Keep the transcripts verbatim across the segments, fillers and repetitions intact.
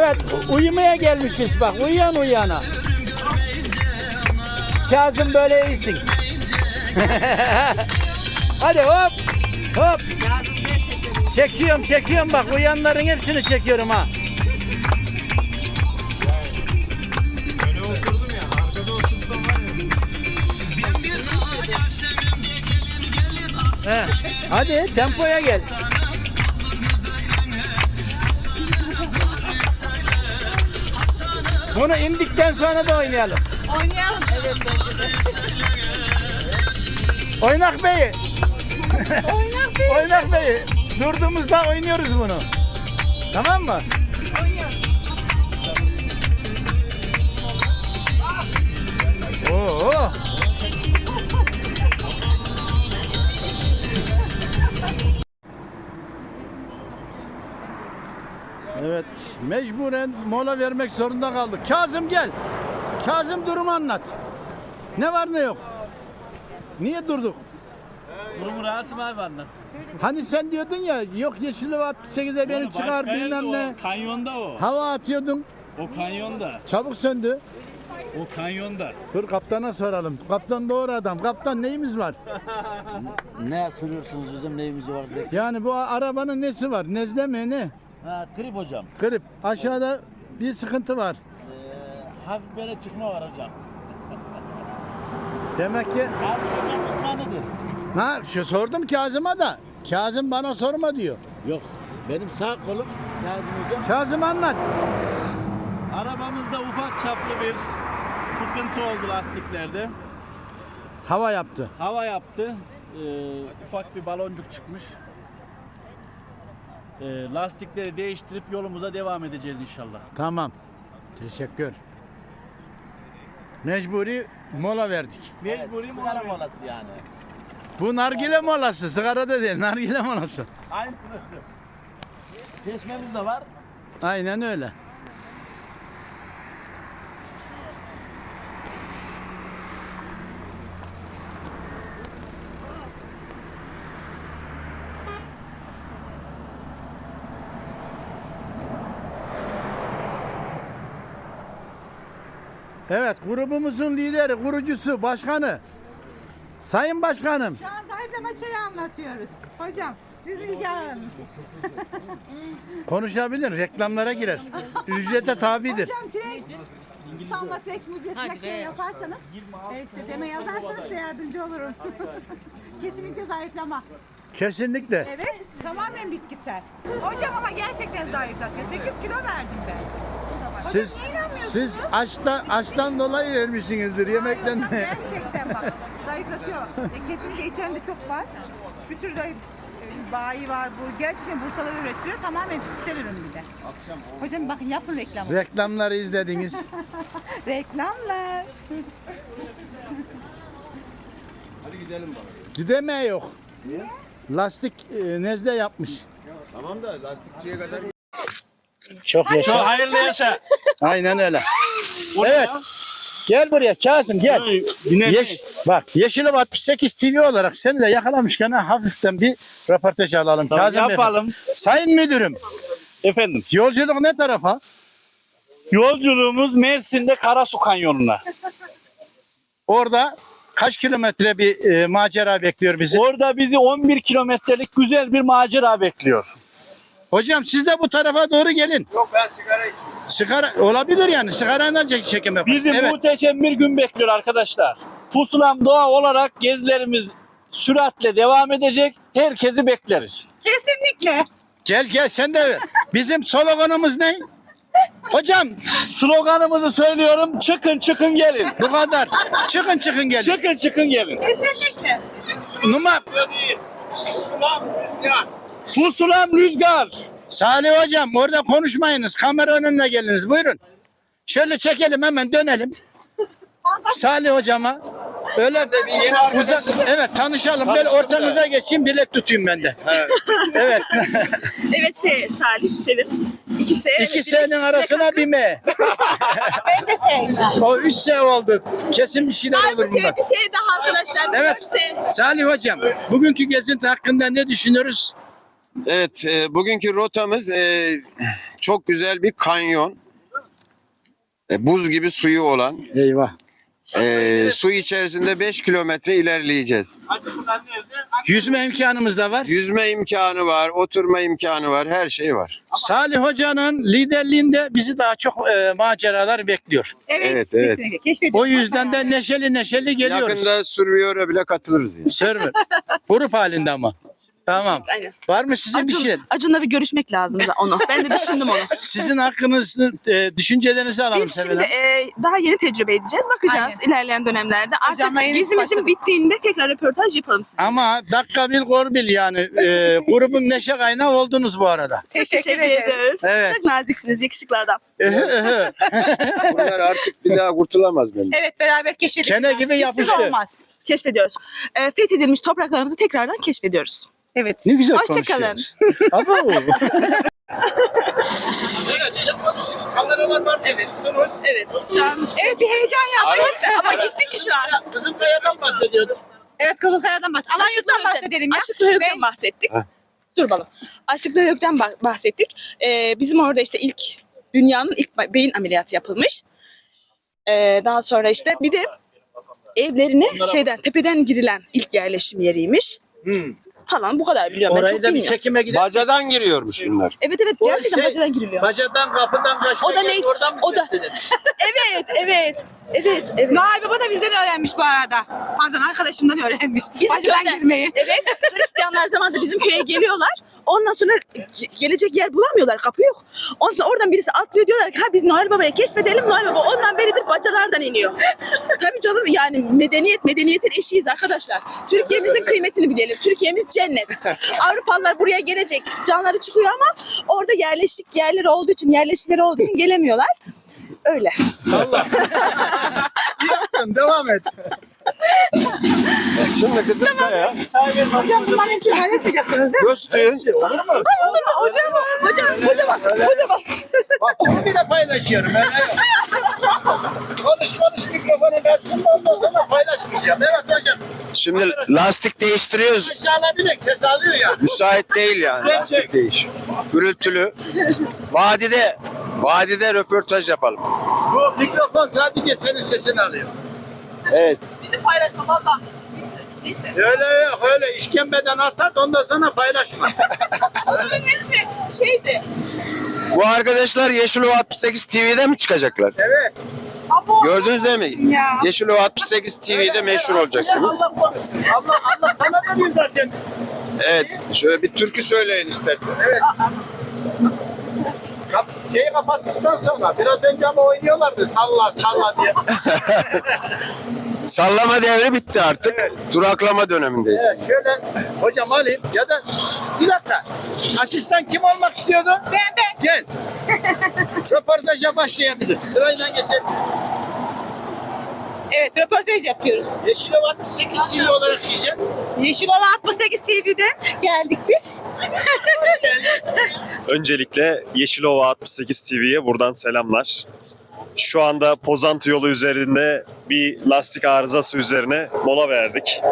Evet, uyumaya gelmişiz bak, uyuyan uyuyana. Kazım böyle iyisin. Hadi hop, hop. Çekiyorum, çekiyorum bak, uyuyanların hepsini çekiyorum ha. Öyle oturdum ya, arkada otursam var ya. He. Hadi tempoya gel. Bunu indikten sonra da oynayalım. Oynayalım. Evet bence de. Oynak Bey'i. Oynak değil. Oynak Bey'i. Durduğumuzda oynuyoruz bunu. Tamam mı? Oynayalım. Oo. Evet, mecburen mola vermek zorunda kaldık. Kazım gel. Kazım durumu anlat. Ne var ne yok? Niye durduk? Durumu Rasim abi anlatsın. Hani sen diyordun ya, yok Yeşilova altmış sekize beni Başka çıkar yerde bilmem ne. O, kanyonda o. Hava atıyordun, O kanyonda. çabuk söndü. O kanyonda. Dur kaptana soralım. Kaptan doğru adam. Kaptan neyimiz var? Ne sürüyorsunuz bizim neyimiz var diye. Yani bu arabanın nesi var? Nezle mi ne? Ha grip hocam. Grip. Aşağıda bir sıkıntı var. Ee, hafif böyle çıkma var hocam. Demek ki Kazım hocam uzmanıdır. ha şu sordum Kazım'a da. Kazım bana sorma diyor. Yok benim sağ kolum Kazım hocam. Kazım anlat. Arabamızda ufak çaplı bir sıkıntı oldu lastiklerde. Hava yaptı. Hava yaptı. Ee, ufak bir baloncuk çıkmış. Ee, lastikleri değiştirip yolumuza devam edeceğiz inşallah. Tamam. Teşekkür. Mecburi mola verdik. Mecburi Evet, mi sigara oluyor? molası yani. Bu nargile molası. Sigara da değil. Nargile molası. Aynen öyle. Çeşmemiz de var. Aynen öyle. Evet, grubumuzun lideri, kurucusu, başkanı. Sayın Başkanım. Şu an zayıflama çayı anlatıyoruz. Hocam sizin hikayeniz. Konuşabilir, reklamlara girer. Ücrete tabidir. Hocam T-Rex, Salma T-Rex Müzesi'ne şey yaparsanız, e, işte deme yazarsanız size yardımcı olurum. Kesinlikle zayıflama. Kesinlikle. Evet, tamamen bitkisel. Hocam ama gerçekten zayıflatıyor. sekiz kilo verdim ben. Hocam Siz niye inanmıyorsunuz? siz açta açtan dolayı vermişsinizdir yemekten. Hayır hocam gerçekten bak zayıflatıyor. E, kesinlikle içerisinde çok var. Bir sürü de e, bayi var bu. Gerçekten Bursa'da üretiliyor. Tamamen bitkisel ürün bir de. Hocam bakın yapın reklamı. Reklamları izlediniz. Reklamlar. Gideme yok. Lastik e, nezle yapmış. Tamam da lastikçiye kadar Çok Çok yaşa. hayırlı yaşa. Aynen öyle. Evet. Gel buraya Kazım gel. Yeş, bak Yeşilova altmış sekiz T V olarak seni de yakalamışken ha, hafiften bir röportaj alalım. Tamam, Kazım yapalım. Beyefendi. Sayın Müdürüm, Efendim. yolculuk ne tarafa? Yolculuğumuz Mersin'de Karasu Kanyonu'na. Orada kaç kilometre bir e, macera bekliyor bizi? Orada bizi on bir kilometrelik güzel bir macera bekliyor. Hocam siz de bu tarafa doğru gelin. Yok ben sigara içiyorum. Sigara olabilir yani. Sigarayla çek- çekim yapalım. Bizi Evet. muhteşem bir gün bekliyor arkadaşlar. Pusulam doğa olarak gezilerimiz süratle devam edecek. Herkesi bekleriz. Kesinlikle. Gel gel sen de. Bizim sloganımız ne? Hocam Sloganımızı söylüyorum. Çıkın çıkın gelin. bu kadar. Çıkın çıkın gelin. Çıkın çıkın gelin. Kesinlikle. Numara. İslam rüzgar. Pusulam rüzgar. Salih hocam orada konuşmayınız. Kamera önüne geliniz. Buyurun. Şöyle çekelim hemen dönelim. Salih hocama. Öyle uzak. Evet tanışalım. Böyle ortanıza geçeyim bilek tutayım ben de. Evet. Evet şey, Salih Selim. İki S. İki S'nin arasına bir M. Ben de S. O üç S oldu. Kesin bir şeyler Ay bu olur S bundan. bir şey daha arkadaşlar. Evet. Dört S. Salih hocam, bugünkü gezinti hakkında ne düşünüyoruz? Evet, e, bugünkü rotamız e, çok güzel bir kanyon. E, buz gibi suyu olan. Eyvah. E, su içerisinde beş kilometre ilerleyeceğiz. Yüzme imkanımız da var. Yüzme imkanı var, oturma imkanı var, her şey var. Salih Hoca'nın liderliğinde bizi daha çok e, maceralar bekliyor. Evet, Evet, evet. kesinlikle. Keşfediyoruz. O yüzden de neşeli neşeli geliyoruz. Yakında Survivor'a bile katılırız. Yani. Server. Grup halinde ama. Tamam. Aynen. Var mı sizin bir Acun, şey? Acun'la bir görüşmek lazım da onu. Ben de düşündüm onu. Sizin hakkınızı, e, düşüncelerinizi alalım Biz Sevel şimdi Hanım. e, daha yeni tecrübe edeceğiz. Bakacağız ilerleyen dönemlerde. Artık Hocamla yeni gezimizin başladık. bittiğinde tekrar röportaj yapalım size. Ama dakika bil gol bil yani. E, grubun neşe kaynağı oldunuz bu arada. Teşekkür, ederiz. Evet. Çok naziksiniz, yakışıklı adam. Ehö, ehö. Bunlar artık bir daha kurtulamaz bence. Evet, beraber keşfedelim. Kene gibi Bizsiz yapıştı. olmaz. Keşfediyoruz. E, fethedilmiş topraklarımızı tekrardan keşfediyoruz. Evet. Ne güzel Hoşça kalın. konuşuyoruz. Abo. Kameralar var. Evet. Evet. Şu an Evet, bir heyecan yaptık. ama gittik ki şu an. Kızım Kaya'dan bahsediyorduk. Evet, Kızılkaya'dan bahsedelim. Alanyurt'tan bahsedelim ya. Açlıkla Hök'ten bahsettik. Dur bakalım. Açlıkla Hök'ten bah- bahsettik. Ee, bizim orada işte ilk dünyanın ilk ba- beyin ameliyatı yapılmış. Ee, daha sonra işte bir de evlerine şeyden tepeden girilen ilk yerleşim yeriymiş. Hmm. Falan bu kadar biliyorum. Ben Orayı çok da bir bilmiyorum. çekime gidelim. Bacadan giriyormuş bunlar. Evet evet O gerçekten şey- bacadan giriliyor. Bacadan kapıdan kaçtı. O da neydi? Oradan mı O da- test edelim? Evet evet. Evet evet. Noel Baba da bizden öğrenmiş bu arada. Pardon, arkadaşımdan öğrenmiş. Bizim Bacadan köyden. girmeyi. Evet, Hristiyanlar zamanında bizim köye geliyorlar. Ondan sonra ge- gelecek yer bulamıyorlar, kapı yok. Ondan sonra oradan birisi atlıyor, diyorlar ki ha biz Noel Baba'yı keşfedelim. Noel Baba ondan beridir bacalardan iniyor. Tabii canım, yani medeniyet, medeniyetin eşiğiz arkadaşlar. Türkiye'mizin kıymetini bilelim. Türkiye'miz cennet. Avrupalılar buraya gelecek, canları çıkıyor ama orada yerleşik yerleri olduğu için, yerleşimleri olduğu için gelemiyorlar. Öyle. Yaptın, devam et. Şimdi Kızılkaya. Hocam bunların hepsini paylaşmayacaksınız değil mi? Göster. Olur mu? Hocam, hocam, hocam, hocam. Bak bunu bile paylaşıyorum. Ben yok. Konuş konuş mikrofonu versin. Ondan sonra paylaşmayacağım. Evet hocam. Şimdi lastik değiştiriyoruz. Aşağıda bir de ses alıyor ya. Müsait değil yani. Lastik değiş. Gürültülü. Vadide, vadide röportaj yapalım. Bu mikrofon sadece senin sesini alıyor. Evet. Bizim paylaşma valla. Neyse. Öyle yok öyle işkembeden atar ondan sonra paylaşma. Bunların hepsi şeydi. Bu arkadaşlar Yeşilova altmış sekiz T V'de mi çıkacaklar? Evet. Gördünüz değil mi? Ya. Yeşilova altmış sekiz T V'de meşhur olacaksınız. Allah korusun. Allah Allah sana veriyor zaten. Evet. Şöyle bir türkü söyleyin istersen. Evet. Kap şeyi kapattıktan sonra biraz önce ama oynuyorlardı salla salla diye. Sallama devri bitti artık. Duraklama dönemindeyiz. Evet şöyle hocam alayım ya da bir dakika. Asistan kim olmak istiyordu? Ben ben. Gel. Röportaja başlayabiliriz. Sırayla geçelim. Evet, röportaj yapıyoruz. Yeşilova altmış sekiz T V olarak diyeceğim. Yeşilova altmış sekiz T V'den geldik biz. Öncelikle Yeşilova altmış sekiz T V'ye buradan selamlar. Şu anda Pozantı yolu üzerinde bir lastik arızası üzerine mola verdik.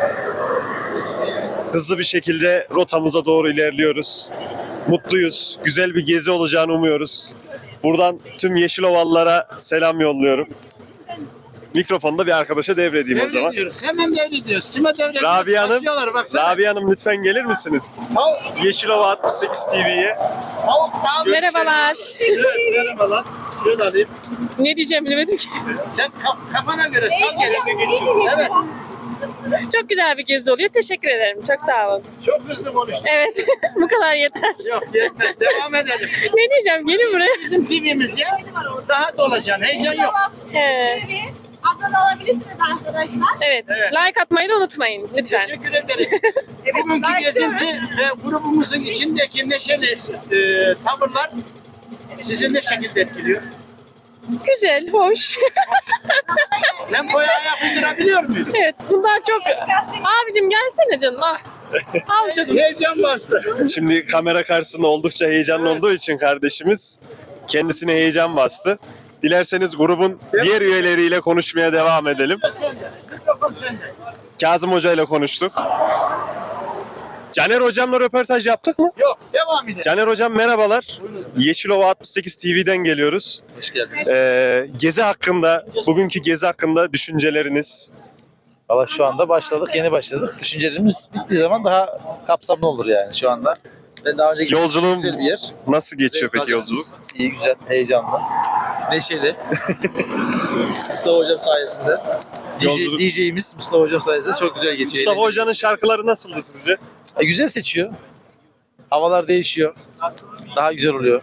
Hızlı bir şekilde rotamıza doğru ilerliyoruz. Mutluyuz. Güzel bir gezi olacağını umuyoruz. Buradan tüm Yeşilovalılara selam yolluyorum. Mikrofonu da bir arkadaşa devredeyim o zaman. Devrediyoruz. Hemen devrediyoruz. Kime devrediyoruz? Rabia Hanım, Kaçıyorlar, baksana. Rabia Hanım lütfen gelir misiniz? Tavuk, Yeşilova altmış sekiz T V'ye. tavuk, tavuk. Merhabalar. Evet, merhabalar. Şöyle alayım. Ne diyeceğim bilemedim ki. Sen kaf- kafana göre sal gel. Evet. Çok güzel bir gezi oluyor. Teşekkür ederim. Çok sağ olun. Çok hızlı konuştun. Evet. Bu kadar yeter. Yok yetmez. Devam edelim. Ne diyeceğim? Gelin buraya. Bizim T V'miz ya. Daha dolacaksın. Heyecan yok. Evet. Abone olabilirsiniz arkadaşlar. Evet. Evet. Like atmayı da unutmayın lütfen. Teşekkür ederiz. Bugünkü gezinti ve grubumuzun içindeki neşeli e, tavırlar sizi ne şekilde etkiliyor? Güzel, hoş. Tempoya ayak uydurabiliyor muyuz? Evet. Bunlar çok... Abicim gelsene canım. Ah. Al canım. Heyecan bastı. Şimdi kamera karşısında oldukça heyecanlı olduğu için kardeşimiz kendisine heyecan bastı. Dilerseniz grubun diğer üyeleriyle konuşmaya devam edelim. Sende. Mikrofon sende. Kazım Hoca ile konuştuk. Caner hocamla röportaj yaptık mı? Yok, devam edelim. Caner hocam merhabalar. Yeşilova altmış sekiz T V'den geliyoruz. Hoş geldiniz. Ee, gezi hakkında, bugünkü gezi hakkında düşünceleriniz? Valla şu anda başladık, yeni başladık. Düşüncelerimiz bittiği zaman daha kapsamlı olur yani şu anda. Ben daha önce gittim. Yolculuğum Güzel bir yer. nasıl geçiyor Zevk peki yolculuk? alacaksınız. İyi, güzel, heyecanlı. Neşeli. Mustafa hocam sayesinde. Yolculuk- D J'imiz Mustafa hocam sayesinde çok güzel geçiyor. Mustafa Eğlenceli. hocanın şarkıları nasıldı sizce? E, güzel seçiyor. Havalar değişiyor. Daha güzel oluyor.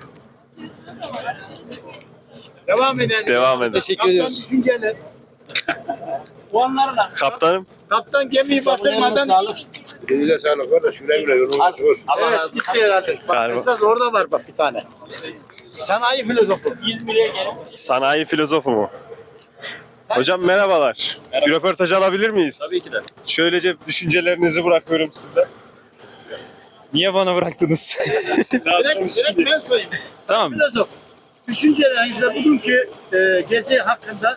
Devam edelim. Devam edin. Teşekkür Kaptan ediyoruz. düşünceler. Puanlarla. Kaptanım, Kaptan gemiyi batırmadan... Eline sağlık kardeş. Güle güle yolunuz açık olsun. Evet, gitsin herhalde. Bak Galiba. esas orada var bak bir tane. Sanayi filozofu. sanayi filozofu mu? Hocam merhabalar. Bir röportaj alabilir miyiz? Tabii ki de. Şöylece düşüncelerinizi bırakıyorum sizden. Niye bana bıraktınız? Direkt, direkt ben söyleyeyim. Tamam. Filozof. Düşüncelerinizle bugünkü e, gezi hakkında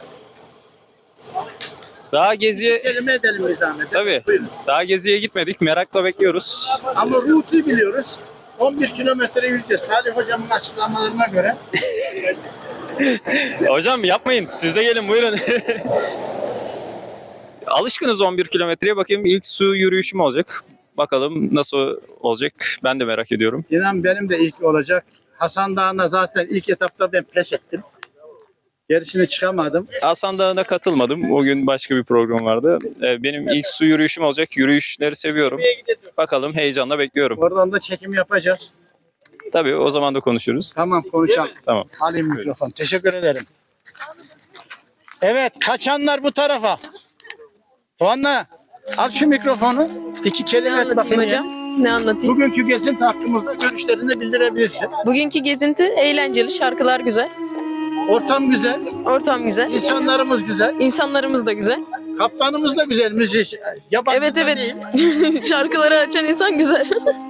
Daha geziye kelime edelim bir zahmet. Tabii. Buyurun. Daha geziye gitmedik. Merakla bekliyoruz. Ama rutu biliyoruz. on bir kilometre yürüyeceğiz. Salih hocamın açıklamalarına göre. Hocam yapmayın. Siz de gelin buyurun. Alışkınız on bir kilometreye. Bakayım ilk su yürüyüşüm olacak. Bakalım nasıl olacak. Ben de merak ediyorum. İnan benim de ilk olacak. Hasan Dağı'na zaten ilk etapta ben pes ettim. Gerisine çıkamadım. Hasan Dağı'na katılmadım. O gün başka bir program vardı. Ee, Benim ilk su yürüyüşüm olacak. Yürüyüşleri seviyorum. Bakalım heyecanla bekliyorum. Oradan da çekim yapacağız. Tabii o zaman da konuşuruz. Tamam konuşalım. Tamam. Alayım mikrofon. Teşekkür ederim. Evet kaçanlar bu tarafa. Tuanla al şu mikrofonu. İki kelime et bakayım hocam. Ne anlatayım? Bugünkü gezinti hakkımızda görüşlerini bildirebilirsin. Bugünkü gezinti eğlenceli, şarkılar güzel, Ortam güzel, ortam güzel, insanlarımız güzel, insanlarımız da güzel. kaptanımız da güzel, müzik. Yabancı Evet da evet, değil. şarkıları açan insan güzel.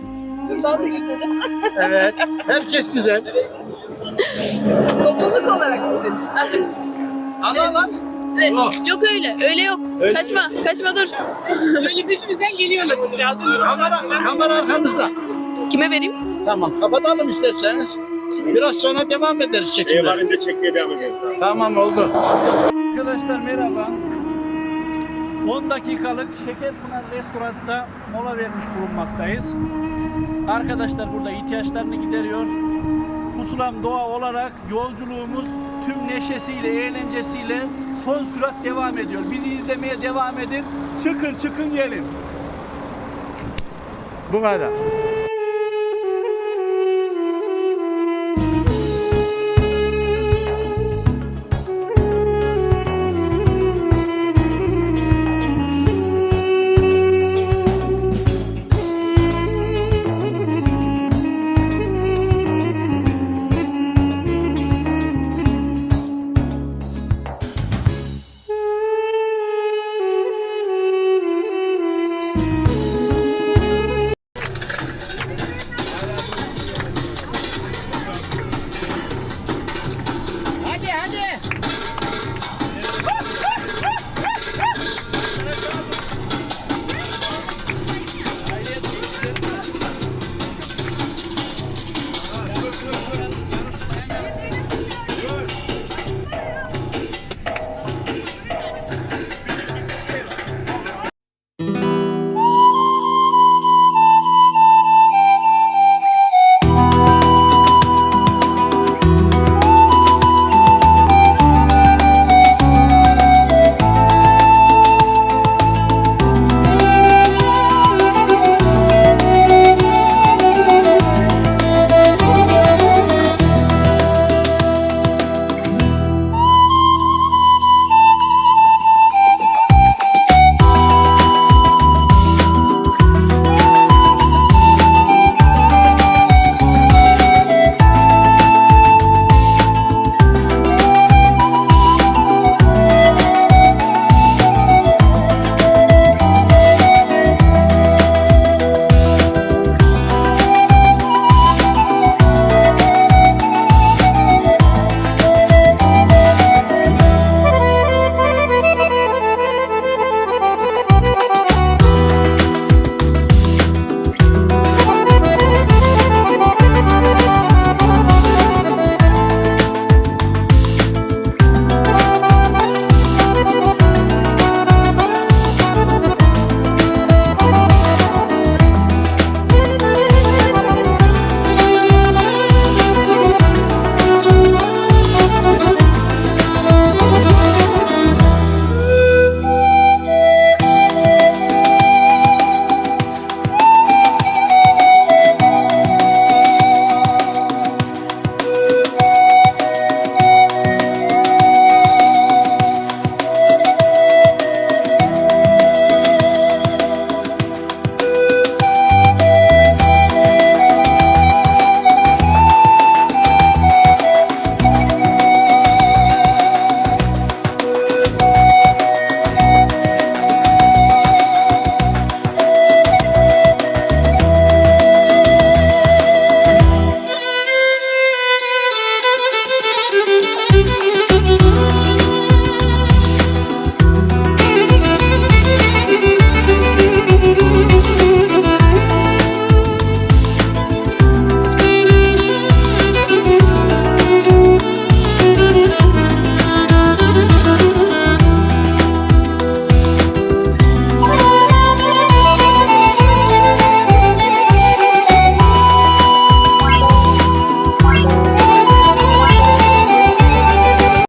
Evet, herkes güzel. Topluluk olarak güzeliz. Allah lan. Yok öyle, öyle yok. Kaçma, kaçma dur. Öyle peşimizden geliyorlar işte. Kamera, kamera arkamızda. Kime vereyim? Tamam, kapatalım isterseniz. Biraz sonra devam ederiz çekimler. varınca çekmeye devam ediyoruz. Tamam oldu. Arkadaşlar merhaba. on dakikalık Şekerpınar Restoran'da mola vermiş bulunmaktayız. Arkadaşlar burada ihtiyaçlarını gideriyor. Pusulam Doğa olarak yolculuğumuz tüm neşesiyle, eğlencesiyle son sürat devam ediyor. Bizi izlemeye devam edin. Çıkın çıkın gelin. Bu kadar.